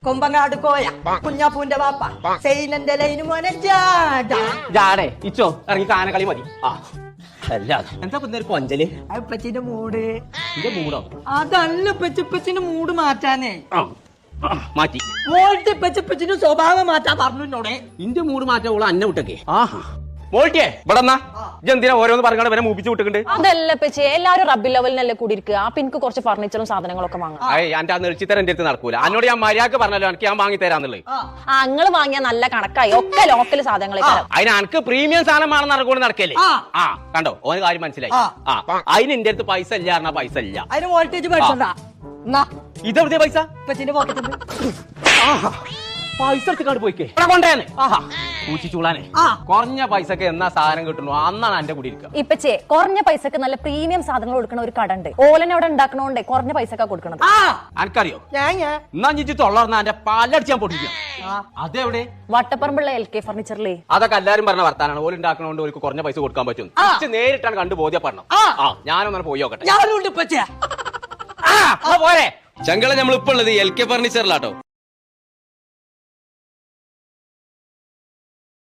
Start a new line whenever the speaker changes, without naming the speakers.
കൊമ്പങ്ങാട് കോയ കുഞ്ഞാപ്പൂന്റെ വാപ്പ സൈനന്റെ ലൈന് മോനെ
ജാടേ ഇച്ചോ ഇറങ്ങി കാനകളി മതി ആ അല്ല എന്താ ഒരു കൊഞ്ചല്
അപ്പച്ചിന്റെ മൂട്
എന്റെ മൂടോ
അതല്ല പെച്ചപ്പച്ചിന്റെ മൂട് മാറ്റാനേ
മാറ്റി
മോൾട്ട് പെച്ചപ്പച്ചിന്റെ സ്വഭാവം മാറ്റാൻ പറഞ്ഞോടെ
ഇന്റെ മൂട് മാറ്റാ ഓള് അന്നെ വിട്ടൊക്കെ ആഹാ മോൾട്ടിയേ ഇവിടെ എന്തിനാ ഓരോന്ന് പറഞ്ഞാൽ വരെ മൂപ്പിച്ച് വിട്ടിട്ടുണ്ട്
അതല്ല പച്ചേ എല്ലാരും റബ്ബി ലെവലിനല്ലേ കൂടി ഇരിക്കുക ആ എനിക്ക് കുറച്ച് ഫർണിച്ചറും സാധനങ്ങളൊക്കെ വാങ്ങാം
എന്റെ ആ നെളിച്ചിത്തരം എന്റെ അടുത്ത് നടക്കൂല എന്നോട് ഞാൻ മര്യാദക്ക് പറഞ്ഞല്ലോ എനിക്ക് ഞാൻ വാങ്ങി തരാന്നുള്ളത്
അങ്ങള് വാങ്ങിയ നല്ല കണക്കായി ഒക്കെ ലോക്കൽ സാധനങ്ങളൊക്കെ
അതിന് എനിക്ക് പ്രീമിയം സാധനമാണെന്ന് നടക്കൂടെ നടക്കല്ലേ ആ കണ്ടോ ഓന് കാര്യം മനസ്സിലായി ആ അതിന് എന്റെ അടുത്ത് പൈസ ഇല്ല പറഞ്ഞാ പൈസ ഇല്ല
അതിന് വോൾട്ടേജ് പഠിച്ചോണ്ടാ
ഇതെവിടെയാ പൈസ
ഇപ്പച്ചിന്റെ പോക്കറ്റുണ്ട്
പൈസ എടുത്ത് പോയിക്കേ കൊണ്ടേനെ ആഹാ പൂച്ചിച്ചൂളാനെ കുറഞ്ഞ പൈസക്ക് എന്നാ സാധനം കിട്ടുന്നു അന്നാണ് എന്റെ കൂടി ഇരിക്കുക
ഇപ്പച്ചേ കുറഞ്ഞ പൈസക്ക് നല്ല പ്രീമിയം സാധനങ്ങൾ കൊടുക്കുന്ന ഒരു കട ഉണ്ട് ഓലനെ അവിടെ ഉണ്ടാക്കണോണ്ടേ കുറഞ്ഞ പൈസക്കാ കൊടുക്കണത്
എനിക്കറിയോ എന്നാ ഞിച്ച് തൊള്ളർന്ന എന്റെ പാലടിച്ച് ഞാൻ പൊട്ടിക്കാം അതെവിടെ
വട്ടപ്പറമ്പുള്ള LK ഫർണിച്ചറിലേ
അതൊക്കെ എല്ലാരും പറഞ്ഞ വർത്താനാണ് ഓല് ഉണ്ടാക്കണോണ്ട് ഓർക്ക് കുറഞ്ഞ പൈസ കൊടുക്കാൻ പറ്റും നേരിട്ടാണ് കണ്ടു ബോധ്യപ്പെടണം ഞാനൊന്നും പോയി നോക്കട്ടെ
ഞാനുണ്ട് ഇപ്പച്ചേ
പോരെ ചങ്കള നമ്മളിപ്പോ ഉള്ളത് LK ഫർണിച്ചറിലാട്ടോ